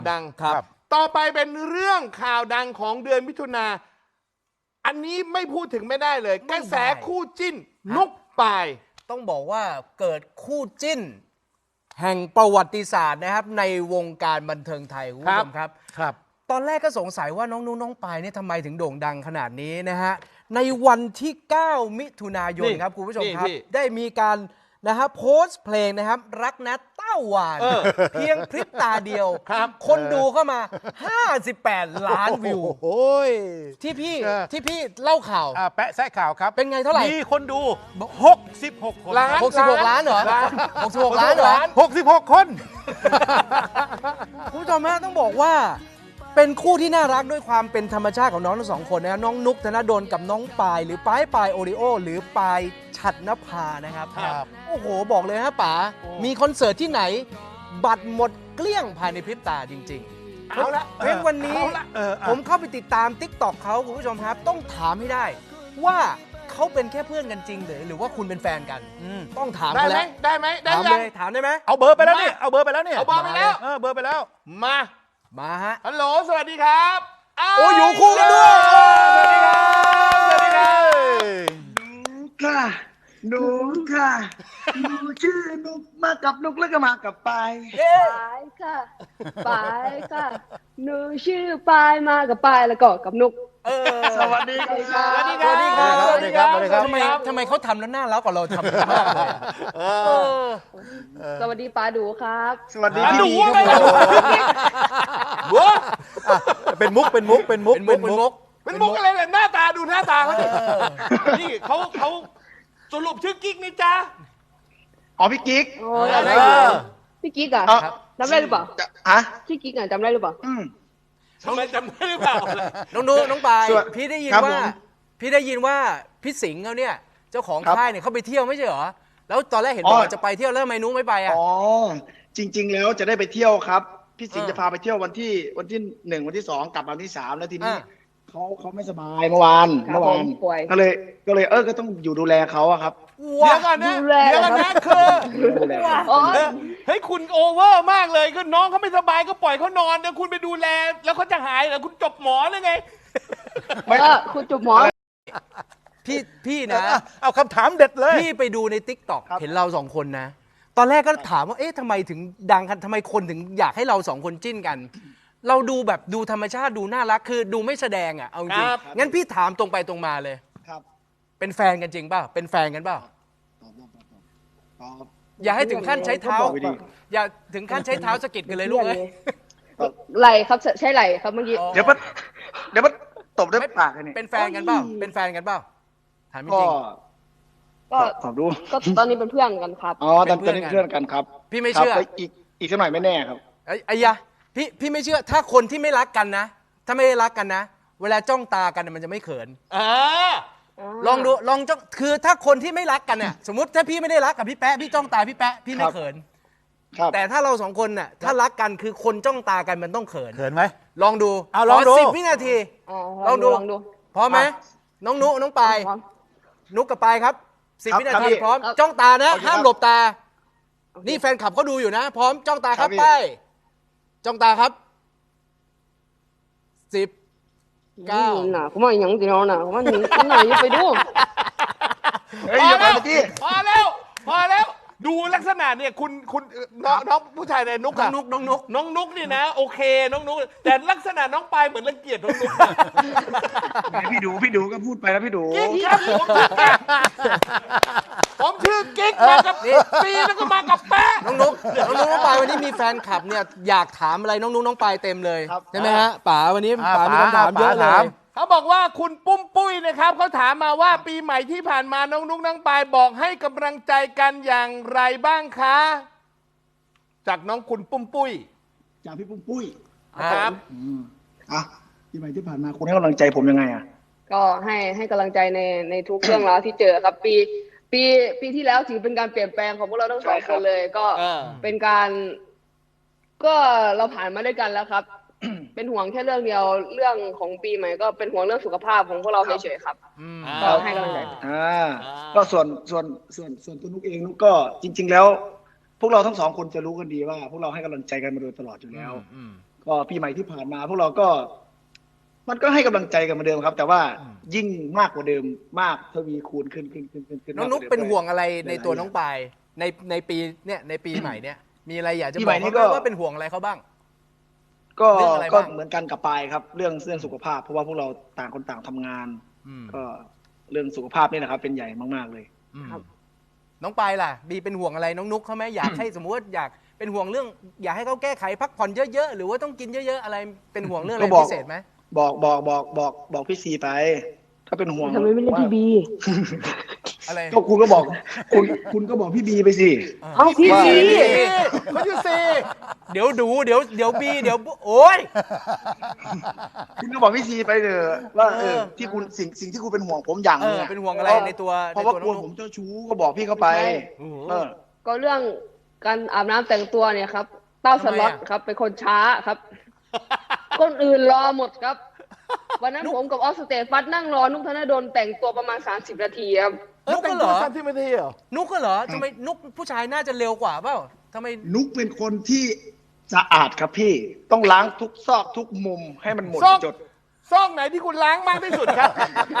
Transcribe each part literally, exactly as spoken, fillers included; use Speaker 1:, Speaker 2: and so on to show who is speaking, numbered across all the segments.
Speaker 1: ดัง
Speaker 2: ครับ
Speaker 1: ต่อไปเป็นเรื่องข่าวดังของเดือนมิถุนาอันนี้ไม่พูดถึงไม่ได้เลยกระแสคู่จิ้นนุกปาย
Speaker 2: ต้องบอกว่าเกิดคู่จิ้น แห่งประวัติศาสตร์นะครับในวงการบันเทิงไทยคุณผู้ชมครับครับ ตอนแรกก็สงสัยว่าน้องนุ้งน้องปายเนี่ยทำไมถึงโด่งดังขนาดนี้นะฮะในวันที่เก้ามิถุนายนครับคุณผู้ชมครับได้มีการนะฮะโพสต์เพลงนะครับรักนะเต้าหวานเพียงพริบตาเดียวคนดูเข้ามาห้าสิบแปดล้านวิวโอ้ยที่พี่ที่พี่เล่าข่าว
Speaker 3: แปะแซะข่าวครับ
Speaker 2: เป็นไงเท่าไหร่
Speaker 3: มีคนดูหกสิบหกคน
Speaker 1: ล้าน
Speaker 2: หกสิบหกล้านเหรอหกสิบหกล้านเหรอ
Speaker 3: หกสิบหกคน
Speaker 2: คุณผู้ชมฮะต้องบอกว่าเป็นคู่ที่น่ารักด้วยความเป็นธรรมชาติของน้องทั้งสองคนนะน้องนุ๊กธนดลกับน้องปายหรือปายปายโอริโอหรือปายฉัตรนภานะครับโอ้โหบอกเลยฮะป๋ามีคอนเสิร์ตที่ไหนบัตรหมดเกลี้ยงภายในพริบตาจริงๆเอาละเพราะวันนี้ผมเข้าไปติดตาม ติ๊กต็อก เขาคุณผู้ชมครับต้องถามให้ได้ว่าเขาเป็นแค่เพื่อนกันจริงหรือหรือว่าคุณเป็นแฟนกันต้องถาม
Speaker 1: ได้ไหมได้ไหมได้ยัง
Speaker 2: ถามได้ไหม
Speaker 3: เอาเบอร์ไปแล้วนี่เอาเบอร์ไปแล้วนี่
Speaker 1: เอาเบอร์ไปแล้ว
Speaker 3: เออเบอร์ไปแล้ว
Speaker 1: มา
Speaker 2: มาฮะ
Speaker 1: ฮัลโหลสวัสดีครับ
Speaker 2: โอ้อยู่คู่กันด้วย
Speaker 1: สวัสดีครับสวัสดีครับ
Speaker 4: นุกค่ะนุกค่ะหนูชื่อนุกมากับนุกแล้วก็มากับปาย
Speaker 5: ปายค่ะปายค่ะหนูชื่อปายมากับปายแล้วก็กับนุก
Speaker 4: สวัสดีครับ
Speaker 1: สวัสดีครับสวัสดีครับสวัสดีครับ
Speaker 2: ทำไมทำไมเขาทำแล้วน่ารักกว่าเราทำมากเลย
Speaker 5: สวัสดีปาดูครับ
Speaker 4: สวัสดีพี่ดี
Speaker 1: บัว
Speaker 3: เป็นมุกเป็นมุกเป็นมุก
Speaker 2: เป็นมุก
Speaker 1: เป็นมุกอะไรเนี่ยหน้าตาดูหน้าตาเขาดินี่เขาเขาสรุปชื่อกิ๊กนี่จ้า
Speaker 4: อ๋อพี่กิ๊ก
Speaker 5: พี่กิ๊กอ่ะจำได้หรือเปล่า
Speaker 4: อะ
Speaker 5: พี่กิ๊กอ่ะจำได้หรือเปล่า
Speaker 1: ทำไมจำได้หรือเปล่า
Speaker 2: น้องดูน้องปายพี่ได้ยินว่าพี่ได้ยินว่าพี่สิงห์เขาเนี่ยเจ้าของค่ายเนี่ยเขาไปเที่ยวไม่ใช่เหรอแล้วตอนแรกเห็นบอกจะไปเที่ยวแล้วทำไมนุ้งไม่ไปอ่ะ
Speaker 4: อ๋อจริงๆแล้วจะได้ไปเที่ยวครับพี่สิงห์จะพาไปเที่ยววันที่วันที่หนึ่งวันที่สองกลับวันที่สามแล้วทีนี้เขาเขาไม่สบายเมื่อวานเมื่อวานก็เลยก็เลยเออก็ต้องอยู่ดูแลเขาอะครับ
Speaker 1: เดี๋ยวก่อนนะเดี๋ยวก่อนนะคือเฮ้ยคุณโอเวอร์มากเลยก็น้องเขาไม่สบายก็ปล่อยเขานอนเดี๋ยวคุณไปดูแลแล้วเขาจะหายเหรอคุณจบหมอเลยไง
Speaker 5: ไม่คุณจบหมอ
Speaker 2: พี่พี่นะ
Speaker 3: เอาคำถามเด็ดเลย
Speaker 2: พี่ไปดูใน ติ๊กต็อก เห็นเราสองคนนะตอนแรกก็ถามว่าเอ๊ะทำไมถึงดังกันทำไมคนถึงอยากให้เราสองคนจิ้นกันเราดูแบบดูธรรมชาติดูน่ารักคือดูไม่แสดงอ่ะเอาจริงงั้นพี่ถามตรงไปตรงมาเลย
Speaker 4: ครับ
Speaker 2: เป็นแฟนกันจริงเปล่าเป็นแฟนกันเปล่าอย่าให้ถึงขั้นใช้เท้าอย่าถึงขั้นใช้เท้าสะกิดกันเลยลูกเอ้ย
Speaker 5: ไหลครับใช่ไหลครับเมื่อกี้
Speaker 4: เดี๋ยวมันเดี๋ยวมันตบด้วยปากนี่
Speaker 2: เป็นแฟนกันเปล่าเป็นแฟนกันเปล่าถามจริง
Speaker 5: ก็ขอดูก็ตอนนี้เป็นเพื่อนกันครับ
Speaker 4: อ๋อตอนนี้เพื่อนกันครับ
Speaker 2: พี่ไม่เชื่อ
Speaker 4: อีกอีกสักหน่อยไม่แน่ครับ
Speaker 2: ไอ้ยะพี่พี่ไม่เชื่อถ้าคนที่ไม่รักกันนะถ้าไม่ได้รักกันนะเวลาจ้องตากันมันจะไม่เขินลองดูลองจ้องคือถ้าคนที่ไม่รักกันเนี่ยสมมติถ้าพี่ไม่ได้รักกับพี่แป๊ะพี่จ้องตาพี่แป๊ะพี่ไม่เขินแต่ถ้าเราสองคนน่ะถ้ารักกันคือคนจ้องตากันมันต้องเขิน
Speaker 3: เขินไหม
Speaker 2: ลองดู
Speaker 3: เอาลองดู
Speaker 2: สิบวินาทีลองดูพร้อมไหมน้องนุน้องปายนุกกับปายครับสิบวินาทีพร้อมจ้องตานะห้ามหลบตานี่แฟนคลับเขาดูอยู่นะพร้อมจ้องตาครับไปจ้องตาครับสิบเก้า
Speaker 5: หนาผมว่าอย่างเดียวนะผมว่าหนีคนไหนอย่าไปดู
Speaker 1: พอแล้วพอแล้วพอแล้วดูลักษณะเนี่ยคุณคุณน้องน้องผู้ชายในนุกอะ
Speaker 2: นุกน้องนุก
Speaker 1: น้องนุกนี่นะโอเคน้องนุกแต่ลักษณะน้องปายเหมือนรังเกียจน้องนุก
Speaker 4: พี่ดูพี่ดูก็พูดไปแล้วพี่ดู
Speaker 1: กิ๊กครับผมชื่อกิ๊กมากับปีแล้วก็มากับแป๊ะ
Speaker 2: น้องนุกน้องนุกน้องปายวันนี้มีแฟนคลับเนี่ยอยากถามอะไรน้องนุกน้องปายเต็มเลยใช่ไหมฮะป๋าวันนี้ป๋ามีคำถามเยอะเลย
Speaker 1: เขาบอกว่าคุณปุ้มปุ้ยนะครับเขาถามมาว่าปีใหม่ที่ผ่านมาน้องนุ๊กน้องปายบอกให้กำลังใจกันอย่างไรบ้างคะจากน้องคุณปุ้มปุ้ย
Speaker 4: จากพี่ปุ้มปุ้ย
Speaker 1: ครับ
Speaker 4: อ่ะปีใหม่ที่ผ่านมาคุณให้กำลังใจผมยังไงอ่ะ
Speaker 5: ก็ให้ให้กำลังใจในในทุกเรื่องราวที่เจอครับปีปีปีที่แล้วถือเป็นการเปลี่ยนแปลงของพวกเราทั้งสองคนเลยก็เป็นการก็เราผ่านมาด้วยกันแล้วครับเป็นห่วงแค่เรื่องเดียวเรื่องของปีใหม่ก็เป็นห่วงเรื่องสุขภาพของพวกเราเฉยๆครับก็ให้กำลังใจ
Speaker 4: อ่าก็ส่วนส่วนส่วนส่วนตัวนุกเองนุกก็จริงๆแล้วพวกเราทั้งสองคนจะรู้กันดีว่าพวกเราให้กำลังใจกันมาโดยตลอดอยู่แล้วก็ปีใหม่ที่ผ่านมาพวกเราก็ มันก็ให้กำลังใจกันเหมือนเดิมครับ แต่ว่ายิ่งมากกว่าเดิมมากทวีคูณขึ้นขึ้นขึ้นขึ้นขึ้น
Speaker 2: น้องนุ๊กเป็นห่วงอะไรในตัวน้องปายในในปีเนี่ยในปีใหม่เนี่ยมีอะไรอยากจะบอกเขาไหมว่าเป็นห่วงอะไรเขาบ้าง
Speaker 4: ก็
Speaker 2: เรื่องอะไร
Speaker 4: ก็
Speaker 2: บ้าง
Speaker 4: เหมือนกันกับปายครับ เรื่องเรื่องสุขภาพ เพราะว่าพวกเราต่างคนต่างทำงาน
Speaker 2: อืม
Speaker 4: ก็เรื่องสุขภาพนี่แหละครับ เป็นใหญ่มากๆเลย
Speaker 2: อืมน้องปายล่ะบีเป็นห่วงอะไรน้องนุ๊กเขาไหมอยากให้สมมติว่าอยากเป็นห่วงเรื่อง อยากให้เขาแก้ไขพักผ่อนเยอะๆหรือว่าต้องกินเยอะๆอะไรเป็นห่วงเรื่องอะไร
Speaker 4: ก็บอก
Speaker 2: พิเศษไหม
Speaker 4: บอกบอกบอกบอกบอกพี่ซีไป ถ้าเป็นห่วง
Speaker 5: ทำไมไม่เล่นพี่บี
Speaker 2: อะไร
Speaker 4: ก็คุณก็บอกคุณคุณก็บอกพี่บีไปสิ
Speaker 5: เอาพี่
Speaker 4: ว่า
Speaker 5: บี
Speaker 1: เขาอยู่ซี
Speaker 2: เดี๋ยวดูเดี๋ยวเดี๋ยวบีเดี๋ยวโอ้ย
Speaker 4: คุณก็บอกพี่ซีไปเถอะว่าเอ
Speaker 2: เอ
Speaker 4: อ
Speaker 2: อ
Speaker 4: ที่คุณสิ่งสิ่งที่คุณเป็นห่วงผมอย่าง
Speaker 2: เอ
Speaker 4: นึง
Speaker 2: อ
Speaker 4: อะ
Speaker 2: เป็นห่วงอะไรในตัว
Speaker 4: เพ
Speaker 2: ใน
Speaker 4: ราะว่า
Speaker 2: ตัว
Speaker 4: ก
Speaker 2: น้
Speaker 4: ลั
Speaker 2: อ
Speaker 4: ว
Speaker 2: ง
Speaker 4: ผ
Speaker 2: นุ๊ก
Speaker 4: มเจ้าชู้ก็บอกพี่เขาไป
Speaker 2: โอ้โห
Speaker 4: เออ
Speaker 5: ก็เรื่องการอาบน้ำแต่งตัวเนี่ยครับ เต้าสล็อต
Speaker 2: ทำไมอะ
Speaker 5: ครับ เป็นคนช้าครับ คนอื่นรอหมดครับ วันนั้นผมกับออสสเตฟัสนั่งรอนุกธนดลแต่งตัวประมาณสามสิบนาทีครับ
Speaker 2: นุ๊กก็เหรอ
Speaker 1: สามสิบนาทีเหรอ
Speaker 2: นุ๊กก็เหรอทำไมนุ๊กผู้ชายน่าจะเร็วกว่าเปล่าทำไม
Speaker 4: นุกเป็นคนที่สะอาดครับพี่ ต้องล้างทุกซอกทุกมุมให้มันหมด
Speaker 1: ซอก
Speaker 4: จด
Speaker 1: ซอกไหนที่คุณล้างมากที่สุดครับ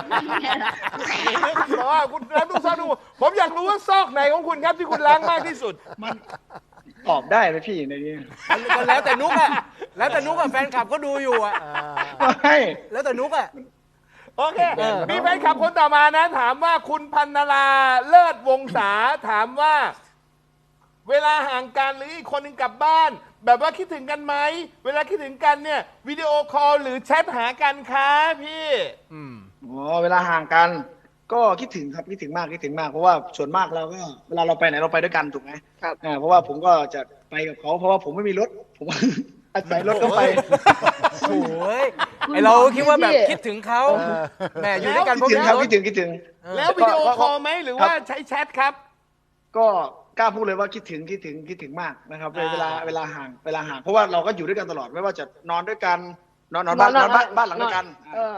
Speaker 1: เพราะว่าคุณล้างทุกซอกทุกมุมผมอยากรู้ว่าซอกไหนของคุณครับที่คุณล้างมากที่สุด
Speaker 4: มันตอบได้ไหมพี่ในนี้
Speaker 2: ก็แล้วแต่นุ๊กอะแล้วแต่นุ๊กอะแฟนคลับก็ดูอยู่อะ
Speaker 4: ไม่
Speaker 2: แล้วแต่นุ๊กอะ
Speaker 1: โอเค
Speaker 2: เออ
Speaker 1: มีแฟนคลับคนต่อมานะ ถามว่าคุณพันนราเลิศวงศาถามว่า เวลาห่างกันหรืออีกคนหนึ่งกลับบ้าน แบบว่าคิดถึงกันไหม เวลาคิดถึงกันเนี่ยวิดีโอคอลหรือแชทหากันคะพี่
Speaker 2: อืม
Speaker 4: อ๋อเวลาห่างกัน ก็คิดถึงครับคิดถึงมากคิดถึงมากเพราะว่าส่วนมากเราก็เวลาเราไปไหนเราไปด้วยกันถูกไหม
Speaker 5: ครับ
Speaker 4: อ่าเพราะว่าผมก็จะไปกับเขาเพราะว่าผมไม่มีรถ ผม อาศัยรถเขาไป
Speaker 2: โอ้ยไอเราคิดว่าแบบคิดถึงเขาแหมอยู่ด้วยกัน
Speaker 4: คิด
Speaker 2: เพราะ
Speaker 4: ถึง
Speaker 2: มี
Speaker 4: ครับ
Speaker 2: รถ
Speaker 4: คิดถึงคิดถึง
Speaker 1: แล้ววิดีโอคอลไหมหรือว่าใช้แชทครับ
Speaker 4: ก็กล้าพูดเลยว่าคิดถึงคิดถึงคิดถึงมากนะครับเวลาเวลาห่างเวลาห่างเพราะว่าเราก็อยู่ด้วยกันตลอดไม่ว่าจะนอนด้วยกันนอนนอนบ้านนอนบ้านบ้านหลังเดียวกัน
Speaker 5: เออ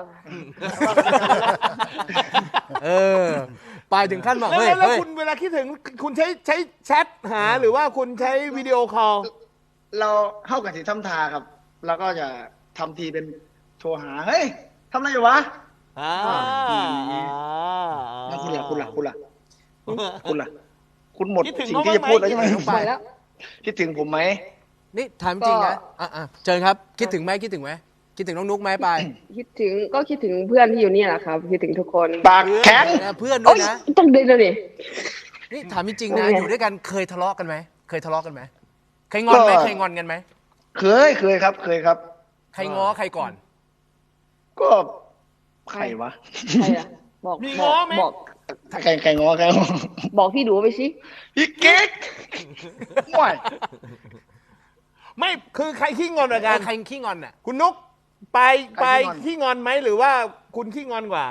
Speaker 2: เออไปถึงขั้นบอก
Speaker 1: แล้ว
Speaker 2: เฮ้ย
Speaker 1: แล้ว
Speaker 2: เฮ้ย
Speaker 1: คุณเวลาคิดถึงคุณใช้ใช้แชทหาหรือว่าคุณใช้วิดีโอคอล
Speaker 4: เราเข้ากันสิทำทาครับ แล้วก็จะทำทีเป็นโทรหาเฮ้ยทำอะไรอยู่วะ
Speaker 1: อ่า
Speaker 4: แล้วคุณล่ะคุณล่ะคุณล่ะคุณล่ะคุณหมด
Speaker 1: คิดถึง
Speaker 4: สิ่ง
Speaker 1: เขา
Speaker 4: ที่จะ
Speaker 1: บ้างไหม
Speaker 4: พูดแล้วใช่ไหม
Speaker 5: ไปแล้ว
Speaker 4: คิดถึงผมไหม
Speaker 2: นี่ถามจริงนะอ่ะอ่ะเชิญครับ คิดถึงไหมคิดถึงไหมคิดถึงน้องนุ๊กไหมไป
Speaker 5: คิดถึงก็คิดถึงเพื่อนที่อยู่นี่แหละครับ คิดถึงทุกคน
Speaker 4: ปากแข็ง
Speaker 2: นะเพื่อนด้
Speaker 5: โอ้
Speaker 2: วย
Speaker 5: ย
Speaker 2: นะ
Speaker 5: ต้องเดินเลยนี่
Speaker 2: นี่ถามจริงๆนะ
Speaker 5: โอ้ย
Speaker 2: อยู่ด้วยกันเคยทะเลาะกันไหมเคยทะเลาะกันไหมเคยงอนไหม
Speaker 4: ก็
Speaker 2: เคยงอนกันไหม
Speaker 4: เคยเคยครับ เคยครับ
Speaker 2: ใครง้อใครก่อน
Speaker 4: ก็ใครวะ
Speaker 5: ใครอะบอก
Speaker 1: มี
Speaker 5: บ
Speaker 1: ง้
Speaker 5: อ
Speaker 1: อก ไหม
Speaker 5: บอก
Speaker 4: ใครใครงอใครงอ
Speaker 5: บอกพี่ดูไปสิ
Speaker 4: พี่เก๊กห่วย
Speaker 1: ไม่คือใครขี้งอนกว่ากัน
Speaker 2: ใครขี้งอนอ่ะ
Speaker 1: คุณนุ๊กไปไปขี้งอนไหมหรือว่าคุณขี้งอนกว่า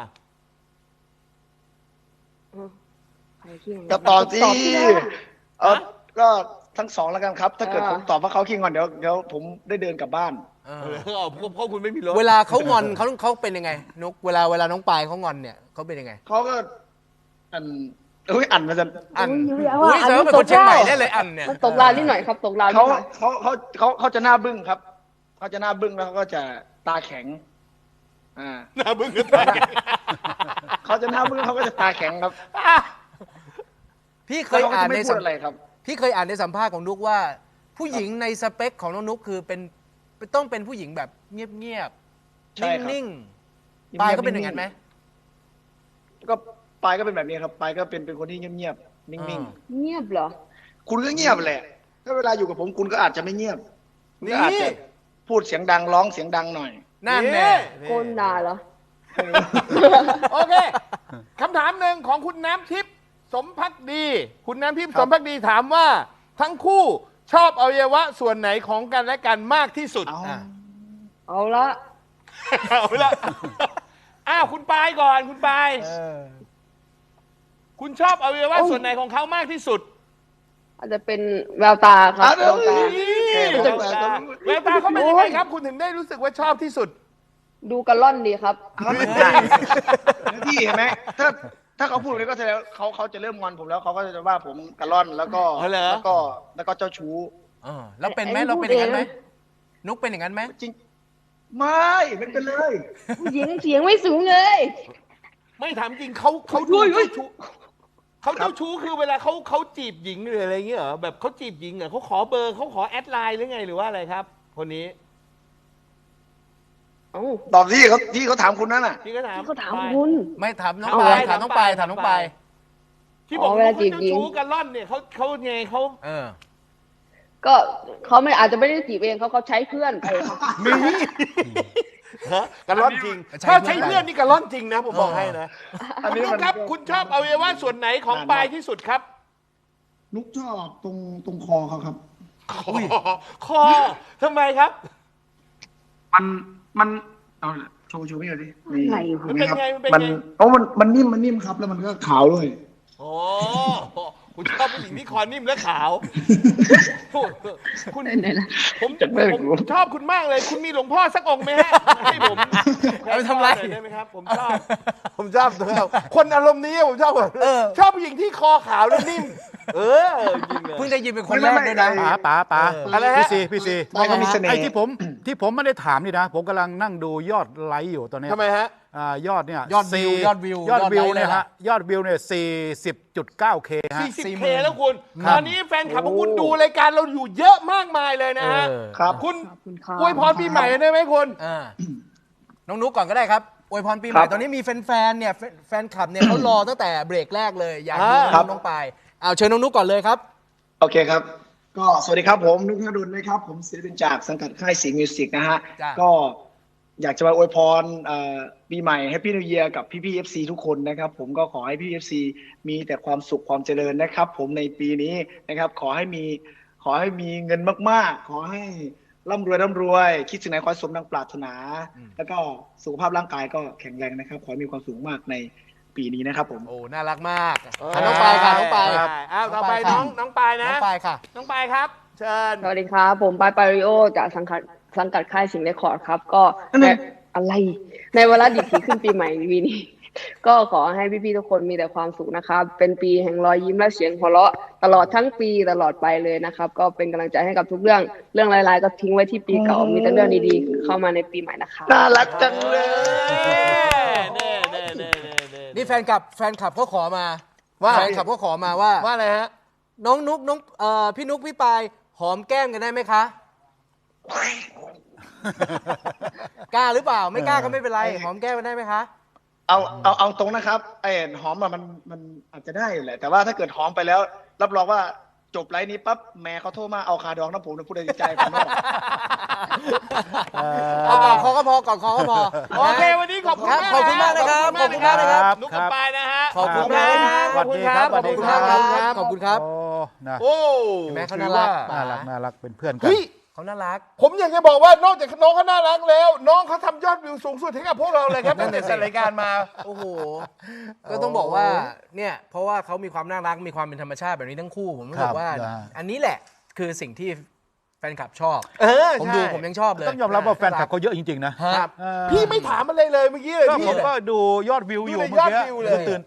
Speaker 5: ใครขี้งอน
Speaker 4: จะตอบสิ
Speaker 5: ตอบสินะ
Speaker 4: เออก็ทั้งสองแล้วกันครับ ถ้าเกิด
Speaker 5: อ่า
Speaker 4: ผมตอบว่าเขาขี้งอนเดี๋ยวเดี๋ยวผมได้เดินกลับบ้าน
Speaker 2: เอ
Speaker 1: เอ
Speaker 2: อ
Speaker 1: อเพราะเพราะคุณไม่มีรถ
Speaker 2: เวลาเขางอนเขาเขาเป็นยังไง นุ๊กเวลาเวลาน้องปายเขางอนเนี่ยเขาเป็นยังไง
Speaker 4: เขาก็อันเอ้ยอันมาจะ
Speaker 2: อัน
Speaker 5: อุ้ยอย่า
Speaker 2: อุ้
Speaker 5: ว่าย อัน
Speaker 2: แสดง
Speaker 5: นี้
Speaker 2: ว่าเป็น
Speaker 5: ต
Speaker 2: คน
Speaker 5: ก
Speaker 2: เชียงใหม่
Speaker 5: เหล้า
Speaker 2: ได้เลยอันเนี่ย
Speaker 5: มันตกราวนิดหน่อยครับ ตกราวนิ
Speaker 4: เขา
Speaker 5: ดหน่อย
Speaker 4: เขาเขาเขาเขาจะหน้าบึ้งครับเขาจะหน้าบึ้งแล้วเขาก็จะตาแข็งอ่า
Speaker 1: หน้าบึ้งกันตาย
Speaker 4: เขาจะหน้าบึ้งเขาก็จะตาแข็งครับ
Speaker 2: พี่เค
Speaker 4: แล้ว
Speaker 2: ย
Speaker 4: เขาก็
Speaker 2: อ่าน
Speaker 4: จะไม่
Speaker 2: ใน
Speaker 4: พู
Speaker 2: สั
Speaker 4: ด
Speaker 2: ม
Speaker 4: อะไรครับ
Speaker 2: พี่เคยอ่านในสัมภาษณ์ของนุ๊กว่า ผู้หญิงในสเปคของน้องนุ๊กคือเป็นต้องเป็นผู้หญิงแบบเงียบ
Speaker 4: ใช่ครับ
Speaker 2: ๆนิ่งๆปายก็เป็นอย่างนั้นไหม
Speaker 4: ก็ปายก็เป็นแบบนี้ครับปายก็เป็นเป็นคนที่เงียบๆนิ่ง
Speaker 2: อ่า
Speaker 5: เงียบเหรอ
Speaker 4: ๆคุณก็เงียบแหละถ้าเวลาอยู่กับผมคุณก็อาจจะไม่เงียบคุณก็อาจ
Speaker 1: นี่
Speaker 4: จะพูดเสียงดังร้องเสียงดังหน่อย
Speaker 2: นั่นแน่
Speaker 5: โกนด่าเหรอ
Speaker 1: โอเคคำถามหนึ่งของคุณน้ำทิพย์สมพักดี คุณน้ำทิพย์สมพักดีถามว่า ทั้งคู่ชอบอวัยวะส่วนไหนของกันและกันมากที่สุด
Speaker 4: เอา
Speaker 2: อ่ะ
Speaker 5: เอาละ
Speaker 1: เอาละอ้าวคุณปายก่อนคุณปาย
Speaker 2: เออ
Speaker 1: คุณชอบอวัยวะส่วนไหนของเขามากที่สุด
Speaker 5: อาจจะเป็นแววตาครับ
Speaker 4: อ่ะ
Speaker 5: แววตา
Speaker 1: นี่แววตาแววตาเขาเป็นยังไงครับ คุณถึงได้รู้สึกว่าชอบที่สุด
Speaker 5: ดูกระล่อนดีครับ
Speaker 4: เอาเลยพี่เห็นไหมถ้าถ้าเขาพูดแบบนี้ก็แสดงว่าเขาเขาจะเริ่มงอนผมแล้วเขาก็จะว่าผมกระล่อนแล้วก็
Speaker 1: อ๋อเหรอ
Speaker 4: แล้วก็แล้วก็เจ้าชู้
Speaker 2: เออแล้วเป็นไหมเราเป็นอย่างนั้นไหมนุกเป็นอย่างนั้นไหม
Speaker 4: จริงไม่ไม่เป็นเลย
Speaker 5: ผู้หญิงเสียงไม่สูงเลย
Speaker 1: ไม่ถามจริงเขาเขาดูเจ้าชู้เขาเจ้าชู้คือเวลาเขาเขาจีบหญิงหรืออะไรเงี้ยเหรอแบบเขาจีบหญิงเหรอเขาขอเบอร์เขาขอแอดไลน์หรือไงหรือว่าอะไรครับ คนนี้
Speaker 5: เอ้า
Speaker 4: ตอบที่เขาที่เขาถามคุณนั่นน่ะ
Speaker 1: พี่ก็ถาม
Speaker 5: ที่เขาถามคุณ
Speaker 2: ไม่ถามน้อง
Speaker 5: เอา
Speaker 2: ปาย
Speaker 5: ไว้
Speaker 2: ถามน้องปายถามน้องปาย
Speaker 1: ที่บอก
Speaker 5: อ๋อเว
Speaker 1: ว่า
Speaker 5: ลา
Speaker 1: เขา
Speaker 5: จีบ
Speaker 1: เจ้า
Speaker 5: หญิง
Speaker 1: ชู้กันล่อนเนี่ยเขาเขาไงเขา
Speaker 2: เออ
Speaker 5: ก็เขาไม่อาจจะไม่ได้จีบเองเขาเขาใช้เพื่อนไปครับ
Speaker 1: มีฮะกันล่อนจริง
Speaker 2: ใช้
Speaker 1: ถ้า
Speaker 2: เพื่อน
Speaker 1: ใช้เพื่อนนี่กันล่อนจริงนะผมบอกให้นะ
Speaker 4: อัน
Speaker 1: คุณ
Speaker 4: นี้
Speaker 1: นุ๊
Speaker 4: มั
Speaker 1: ก
Speaker 4: น
Speaker 1: ครับ คุณชอบอวัยวะส่วนไหนของปลายที่สุดครับ
Speaker 4: นุกชอบตรงตรงคอเขาครับ
Speaker 1: คอคอทำไมครับ
Speaker 4: มันมันเอาโชว์โชว์พี่หน่อยดิ
Speaker 5: อะไร
Speaker 1: มันเป็นไงมันเป็นไง
Speaker 4: มันโอ้มันมันนิ่มมันนิ่มครับ แล้วมันก็ขาวด้วย
Speaker 1: โอ้คุณชอบผู้หญิงที่คอนิ่มและขาว คุณ
Speaker 5: ไหนล่ะ
Speaker 1: ผม
Speaker 4: จะไม่
Speaker 1: ผมชอบคุณมากเลย คุณมีหลวงพ่อสักองค์ไหมฮะให้ผม
Speaker 2: เอาไปทำไร
Speaker 1: หน่อยได้ไหมครับ ผมชอบ ผมชอบคนอารมณ์นี้ผมชอบแบบ
Speaker 2: เออ
Speaker 1: ชอบผู้หญิงที่คอขาวและนิ่ม เออจริงเลย
Speaker 2: เพิ่งได้ยินเป็นคนแรกด้วยนะ
Speaker 3: ป๋าป๋าป๋า
Speaker 1: อะไรฮะ
Speaker 3: พี่ซีพี่ซี
Speaker 4: ไม่ก็มีเสน่ห์
Speaker 3: ไอ้ที่ผมที่ผมไม่ได้ถามนี่นะ ผมกำลังนั่งดูยอดไลค์อยู่ตอนเนี้ย
Speaker 1: ทำไมฮะ
Speaker 3: อ่ายอดเนี่ย
Speaker 2: ยอดวิว
Speaker 3: สี่
Speaker 2: ยอดวิวย
Speaker 3: อดวิวย
Speaker 2: อดไลค์
Speaker 3: เนี่ย
Speaker 2: เลย
Speaker 3: ฮะ
Speaker 2: ล่ะ
Speaker 3: ยอดวิวเนี่ยสี่สิบจุดเก้าเคฮะ
Speaker 1: สี่สิบ
Speaker 2: สี่ห
Speaker 1: เค
Speaker 2: มื่น
Speaker 1: แล้วคุณ
Speaker 3: ครั
Speaker 1: ต
Speaker 3: บ
Speaker 1: อนนี้แฟนคลับของคุณดูรายการเราอยู่เยอะมากมายเลยนะฮะ
Speaker 2: เออ
Speaker 4: ครับ
Speaker 1: คุณ
Speaker 5: ขอบคุณครับ
Speaker 1: อวยพรปีใหม่ได้ไหมคุณ
Speaker 2: อ่าน้องนุกก่อนก็ได้ครับอวยพรปีใหม่
Speaker 4: ครับ
Speaker 2: ตอนนี้มีแฟนๆเนี่ยแฟนแฟนคลับเนี่ยเขารอตั้งแต่เบรกแรกเลย อยากดู
Speaker 1: อ่า
Speaker 2: น้องน้องปายเอาเชิญน้องนุกก่อนเลยครับ
Speaker 4: โอเคครับ ก็สวัสดีครับผมนุกนดุลนะครับ ผมศิลปินจากสังกัดค่ายสีมิวสิกนะฮะ
Speaker 2: จ้ะ
Speaker 4: ก็อยากจะมาอวยพรเอ่อปีใหม่แฮปปี้นิวเยียร์กับพี่พี่เอฟซีทุกคนนะครับ ผมก็ขอให้พี่เอฟซีมีแต่ความสุขความเจริญนะครับ ผมในปีนี้นะครับ ขอให้มีขอให้มีเงินมากๆ ขอให้ร่ำรวยร่ำรวย คิดสิ่งไหนขอให้สมดังปรารถนา แล้วก็สุขภาพร่างกายก็แข็งแรงนะครับ ขอให้มีความสุขมากในปีนี้นะครับผม
Speaker 2: โอ้น่ารักมากอ่ะน้องปายค่ะน้องปาย
Speaker 1: ครับอ้าวต่อไป
Speaker 2: น้
Speaker 1: น้
Speaker 2: อ
Speaker 1: อง งน้องปาย
Speaker 2: น้
Speaker 1: นะ
Speaker 2: องปายค่ะ
Speaker 1: น้องปายครับ เชิญ
Speaker 5: สวัสดีครับ ผมปายปาริโอจากสังกัดสังกัดค่ายสิงห์เรคคอร์ดครับ ก็
Speaker 4: นั่น
Speaker 5: ใน
Speaker 4: น่ะ
Speaker 5: อะไร ในเวลาดิบที่ขึ้นปีใหม่ปีนี้ ก็ขอให้พี่ๆทุกคนมีแต่ความสุขนะครับ เป็นปีแห่งรอยยิ้มและเสียงหัวเราะตลอดทั้งปีตลอดไปเลยนะครับ ก็เป็นกำลังใจให้กับทุกเรื่องเรื่องร้ายๆก็ทิ้งไว้ที่ปีเก่ามีแต่เรื่องดีๆเข้ามาในปีใหม่นะคะ
Speaker 4: น่ารักจังเลย
Speaker 1: เน่เน่เน่เน่เน่
Speaker 2: นี่แฟนคลับแฟนคลับเขาขอมา
Speaker 1: ว่า
Speaker 2: แฟนคลับเขาขอมาว่า
Speaker 1: ว่าอะไรฮะ
Speaker 2: น้องนุกน้องเอ่อพี่นุกพี่ปายหอมแก้มกันได้ไหมคะ กล้าหรือเปล่าไม่กล้าก็ไม่เป็นไรหอมแก้มกันได้ไหมคะ
Speaker 4: เอาเอาเอาตรงนะครับไอ้หอมอะมันมันอาจจะได้อยู่แหละ แต่ว่าถ้าเกิดหอมไปแล้ว รับรองว่าจบไลฟ์นี้ปั๊บแม่เขาโทรมาเอาคาดองน้ำผมนะพูดในใจผมไม่บอก
Speaker 2: เอาก่อนคอก็พอก่อนคอก็พอ
Speaker 1: โอเค วันนี้ขอบคุณ
Speaker 2: ครับ
Speaker 1: มาก
Speaker 2: ขอบคุณมากนะครับ
Speaker 1: ขอบคุณมากนะค
Speaker 2: ขอบคุณมากนะครั
Speaker 1: รับบ นุกกับปายนะฮะ
Speaker 2: ขอบคุณมาก
Speaker 1: ขอบคุณครับ
Speaker 3: สวัสดีครับ
Speaker 1: ขอบคุณครับ
Speaker 2: ขอบคุณครับ
Speaker 3: โอ้นะ
Speaker 1: โอ้
Speaker 2: เห็นไหมเขา
Speaker 1: ถื
Speaker 2: น่า
Speaker 1: อ
Speaker 2: รั
Speaker 1: ว่า
Speaker 2: ก
Speaker 3: น่ารักน่ารักเป็นเพื่อนกัน
Speaker 1: เฮ้ย
Speaker 2: เขาน่ารัก
Speaker 1: ผมอยากจะบอกว่านอกจากน้องเขาน่ารักแล้ว น้องเขาทำยอดวิวสูงสุดให้กับพวกเราเลยครับ
Speaker 2: นั่
Speaker 1: ตั้
Speaker 2: น
Speaker 1: งแต่
Speaker 2: น่ะสิ
Speaker 1: จัดรายการมา
Speaker 2: โอ้โห ก็ต้องบอกว่าเนี่ยเพราะว่าเขามีความน่ารักมีความเป็นธรรมชาติแบบนี้ทั้งคู่ผมรู้สึ
Speaker 3: ครั
Speaker 2: ก
Speaker 3: บ
Speaker 2: ว่า
Speaker 3: นะ
Speaker 2: อันนี้แหละคือสิ่งที่แฟนคลับชอบ
Speaker 1: เออ
Speaker 2: ผม
Speaker 1: ใช่
Speaker 2: ดูผมยังชอบเลย
Speaker 3: ต้องยอมรับว่าแฟนคลับเขาเยอะจริงๆนะ
Speaker 2: ครับ
Speaker 3: เออ
Speaker 1: พี่ไม่ถามอะไรเลยเมื่อกี้เลย
Speaker 3: ก็
Speaker 1: พี่
Speaker 3: ผมก็ดูยอดวิวอยู่
Speaker 1: ดูใน
Speaker 3: เมื่อย
Speaker 1: อด
Speaker 3: กี้
Speaker 1: วิวเลย
Speaker 3: ตื่น